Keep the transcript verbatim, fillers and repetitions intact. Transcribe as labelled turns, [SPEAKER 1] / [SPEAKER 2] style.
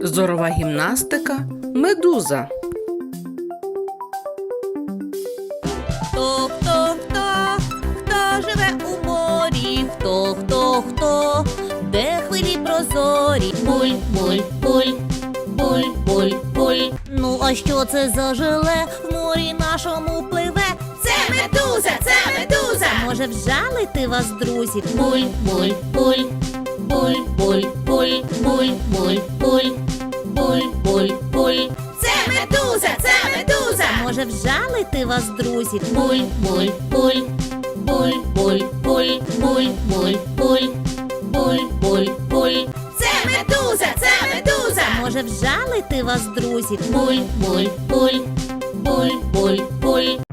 [SPEAKER 1] Зорова гімнастика медуза.
[SPEAKER 2] Хто, хто, хто, хто живе у морі? Хто, хто, хто, де хвилі прозорі? Буль, буль, буль, буль, буль, буль. Ну, а що це за жиле в морі нашому пливе?
[SPEAKER 3] Це медуза, це медуза.
[SPEAKER 2] Може вжалити вас, друзі? Буль, буль, буль, буль, буль, буль, буль, буль, буль, буль, буль, буль.
[SPEAKER 3] Це медуза, це медуза.
[SPEAKER 2] Може вжалити вас, друзі? Буль, буль, буль, буль, буль, буль, буль, буль, буль, буль, буль, буль.
[SPEAKER 3] Це медуза, це медуза.
[SPEAKER 2] Може вжалити вас, друзі? Буль, буль, буль, буль, буль, буль,